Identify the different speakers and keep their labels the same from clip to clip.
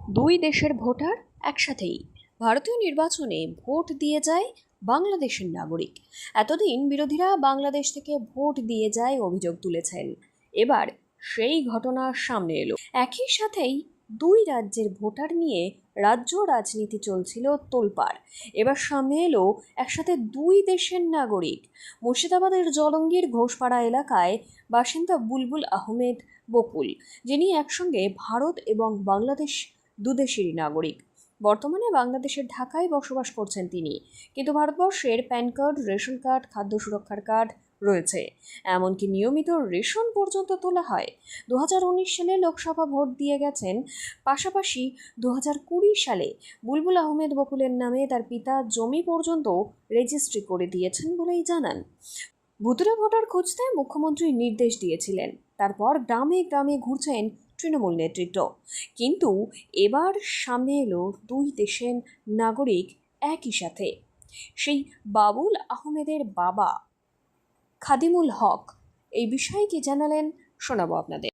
Speaker 1: দুই দেশের ভোটার একসাথেই ভারতীয় নির্বাচনে ভোট দিয়ে যায় বাংলাদেশের নাগরিক। এতদিন বিরোধীরা বাংলাদেশ থেকে ভোট দিয়ে যায় অভিযোগ তুলেছেন। এবার সেই ঘটনা সামনে এলো। একই সাথেই দুই রাজ্যের ভোটার নিয়ে রাজ্য রাজনীতি চলছিল তোলপাড়। এবার সামনে এলো একসাথে দুই দেশের নাগরিক। মুর্শিদাবাদের জলঙ্গির ঘোষপাড়া এলাকায় বাসিন্দা বুলবুল আহমেদ বকুল, যিনি একসঙ্গে ভারত এবং বাংলাদেশ দুদেশেরই নাগরিক। বর্তমানে বাংলাদেশের ঢাকায় বসবাস করছেন তিনি, কিন্তু ভারতবর্ষের প্যান কার্ড, রেশন কার্ড, খাদ্য সুরক্ষার কার্ড রয়েছে। এমনকি নিয়মিত রেশন পর্যন্ত তোলা হয়। 2019 সালে লোকসভা ভোট দিয়ে গেছেন। পাশাপাশি 2020 সালে বুলবুল আহমেদ বকুলের নামে তার পিতা জমি পর্যন্ত রেজিস্ট্রি করে দিয়েছেন বলেই জানান। ভুতুড়ে ভোটার খুঁজতে মুখ্যমন্ত্রী নির্দেশ দিয়েছিলেন। তারপর গ্রামে গ্রামে ঘুরছেন তৃণমূল নেতৃত্ব। কিন্তু এবার সামনে এলো দুই দেশের নাগরিক একই সাথে। সেই বাবুল আহমেদের বাবা খাদিমুল হক এই বিষয়ে কি জানালেন শোনাবো আপনাদের।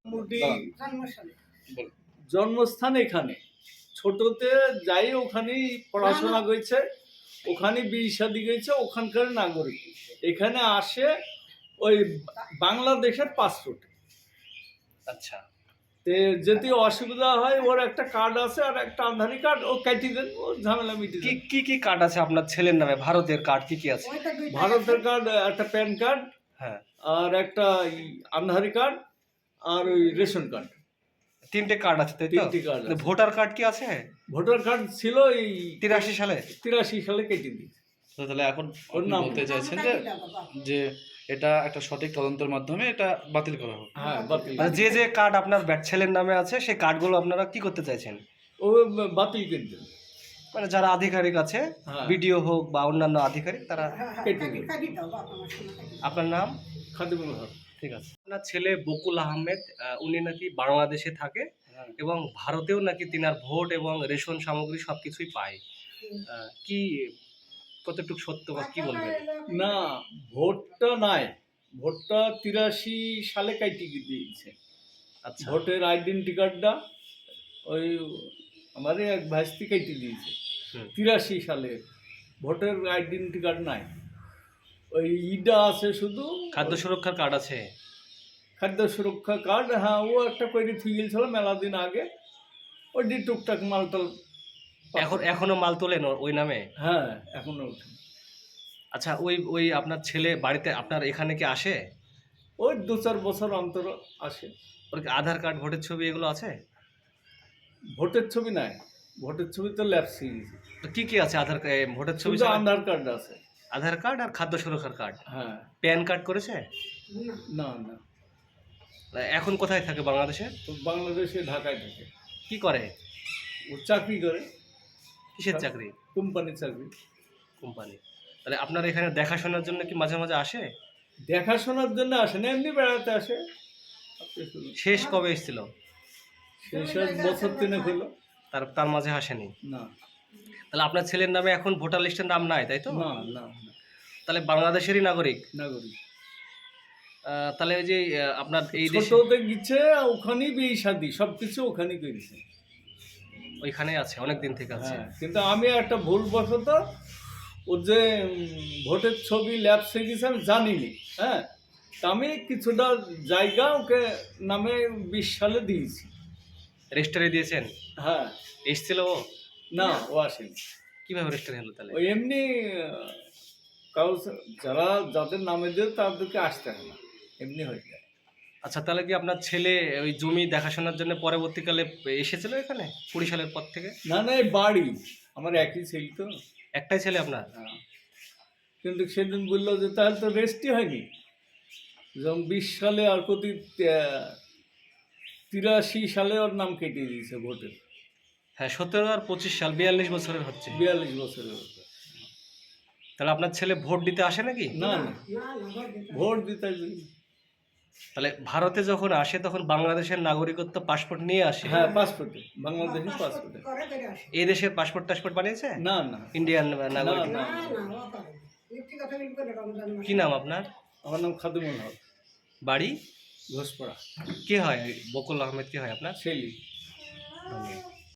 Speaker 2: জন্মস্থান এখানে, ছোটতে যাই ওখানেই পড়াশোনা করেছে, ওখানে বিয়ে শাদী গেছে, ওখানকার নাগরিক। এখানে আসে ওই বাংলাদেশের পাসপোর্ট।
Speaker 3: আচ্ছা,
Speaker 2: তে যদি অসুবিধা হয়, ওর একটা কার্ড আছে আর একটা আধারি কার্ড, ও কেটে দেন, ও ঝামেলা মিটে
Speaker 3: কি
Speaker 2: যায়।
Speaker 3: কি কি কার্ড আছে আপনার ছেলের নামে? ভারতের কার্ড কি কি আছে?
Speaker 2: ভারতের কার্ড, একটা প্যান কার্ড,
Speaker 3: হ্যাঁ,
Speaker 2: আর একটা আধারি কার্ড, আর ওই রেশন কার্ড।
Speaker 3: তিনটে কার্ড আছে, তাই তো?
Speaker 2: তিনটে কার্ড আছে।
Speaker 3: ভোটার কার্ড কি আছে?
Speaker 2: ভোটার কার্ড ছিল এই
Speaker 3: 83 সালে।
Speaker 2: 83 সালে কেটে দিয়েছে।
Speaker 4: তো তাহলে এখন
Speaker 2: ওর
Speaker 4: আপনি
Speaker 2: নাম
Speaker 4: বলতে চাইছেন যে যে এটা একটা সঠিক তদন্তের মাধ্যমে এটা বাতিল করা হোক।
Speaker 2: হ্যাঁ, বাতিল।
Speaker 3: মানে যে যে কার্ড আপনার ছেলের নামে আছে সেই কার্ডগুলো আপনারা কি করতে চাইছেন?
Speaker 2: ও বাতিল করে দেন,
Speaker 3: মানে যারা আধিকারিক আছে,
Speaker 2: হ্যাঁ।
Speaker 3: বিডিও হোক বা অন্যান্য আধিকারিক, তারা।
Speaker 2: কেটে দেন।
Speaker 3: আপনার নাম?
Speaker 2: খাদিমুল হক।
Speaker 3: ঠিক আছে। আপনার ছেলে বকুল আহমেদ, উনি নাকি বাংলাদেশে থাকে এবং ভারতেও নাকি তিনার ভোট এবং রেশন সামগ্রী সবকিছুই পায়। কি কতটুকু সত্য বা কি বলবেন?
Speaker 2: না, ভোটটা নাই, ভোটটা 83 সালে কাটি দিয়েছে।
Speaker 3: আচ্ছা,
Speaker 2: ভোটের আইডেন্টি কার্ডটা ওই আমার এক ভাইস্তি কেটে দিয়েছে 83 সালে। ভোটের আইডেন্টি কার্ড নাই, ওই ইডা আছে শুধু।
Speaker 3: খাদ্য সুরক্ষার কার্ড আছে।
Speaker 2: খাদ্য সুরক্ষা কার্ড, হ্যাঁ, ও একটা করে থুয়ে গেছিল মেলা দিন আগে। ওই ডি টুকটাক মালটাল
Speaker 3: এখনো মাল তোলেন ওই নামে?
Speaker 2: হ্যাঁ, এখনো ওঠে।
Speaker 3: আচ্ছা, ওই ওই আপনার ছেলে বাড়িতে আপনার এখানে কি আসে?
Speaker 2: ওই 2-4 বছর অন্তর আসে।
Speaker 3: ওর কি আধার কার্ড, ভোটের ছবি এগুলো আছে?
Speaker 2: ভোটের ছবি নাই, ভোটের ছবি তো ল্যাপসি।
Speaker 3: তো কি কি আছে ভোটের ছবি
Speaker 2: শুধু
Speaker 3: ছাড়া?
Speaker 2: আধার কার্ড আছে।
Speaker 3: আধার কার্ড আর খাদ্য সুরক্ষার কার্ড।
Speaker 2: হ্যাঁ।
Speaker 3: প্যান কার্ড করেছে?
Speaker 2: না না,
Speaker 3: এখন কোথায় থাকে বাংলাদেশে?
Speaker 2: তো বাংলাদেশে ঢাকায় থাকে।
Speaker 3: কি করে?
Speaker 2: ও চাকরি করে।
Speaker 3: কিসের চাকরি?
Speaker 2: কোম্পানির চাকরি।
Speaker 3: কোম্পানি। তাহলে আপনার এখানে দেখাশোনার জন্য কি মাঝে মাঝে আসে?
Speaker 2: দেখাশোনার জন্য আসে না, এমনি বেড়াতে আসে।
Speaker 3: শেষ কবে এসেছিল?
Speaker 2: শেষ বছর 3 হলো।
Speaker 3: তার মাঝে আসেনি?
Speaker 2: না
Speaker 3: তাহলে আপনার ছেলের নামে এখন ভোটার লিস্টের নাম নাই, তাই তো?
Speaker 2: না না,
Speaker 3: তাহলে বাংলাদেশেরই নাগরিক।
Speaker 2: নাগরিক।
Speaker 3: তাহলে ওই যে আপনার এই দেশে
Speaker 2: ছোটতে গেছে, ওখানেই বিয়ে শাদী সবকিছু ওখানেই করেছে।
Speaker 3: ওইখানে আছে, অনেক দিন থেকে আছে।
Speaker 2: হ্যাঁ, কিন্তু আমি একটা ভুলবশত ওর যে ভোটের ছবি ল্যাপসে গেছে আমি জানিনি। হ্যাঁ, তা আমি কিছুটা জায়গা ওকে নামে 20 সালে দিয়েছি।
Speaker 3: রেজিস্টারে দিয়েছেন?
Speaker 2: হ্যাঁ।
Speaker 3: এসেছিল ও?
Speaker 2: না, ও আসেনি।
Speaker 3: কিভাবে রেজিস্টার হলো তাহলে?
Speaker 2: ওই এমনি কারো যাদের নামে দেয় তাদেরকে আসতে হয় না, এমনি হয়ে যায়।
Speaker 3: আচ্ছা, তাহলে কি আপনার ছেলে ওই জমি দেখাশোনার জন্য পরবর্তীকালে এসেছিল এখানে 20 সালের পর থেকে?
Speaker 2: না না, এই বাড়ি আমার একই ছেলে তো।
Speaker 3: একটাই ছেলে আপনার?
Speaker 2: হ্যাঁ, কিন্তু সেদিন বললো যে তাহলে তো রেস্টই হয়নি। যেমন 20 সালে আর প্রতি 83 সালে ওর নাম কেটে দিয়েছে ভোটের।
Speaker 3: হ্যাঁ, 17 আর 25 সাল, 42 বছরের হচ্ছে।
Speaker 2: 42 বছরের।
Speaker 3: তাহলে আপনার ছেলে ভোট দিতে আসে নাকি?
Speaker 2: না না, ভোট দিতে আসবে।
Speaker 3: তাহলে ভারতে যখন আসে তখন বাংলাদেশের নাগরিকত্ব পাসপোর্ট নিয়ে আসে?
Speaker 2: হ্যাঁ, পাসপোর্টে, বাংলাদেশি পাসপোর্টে।
Speaker 3: এই দেশের টাসপোর্ট বানিয়েছে?
Speaker 2: না না,
Speaker 3: ইন্ডিয়ান
Speaker 2: না
Speaker 3: নাগরিক?
Speaker 2: না।
Speaker 3: কি নাম আপনার?
Speaker 2: আমার নাম খাদিমুল হক,
Speaker 3: বাড়ি?
Speaker 2: ঘোষপাড়া।
Speaker 3: কে হয় বকুল আহমেদ? কে হয় আপনার?
Speaker 2: ছেলে।
Speaker 3: ধন্যবাদ।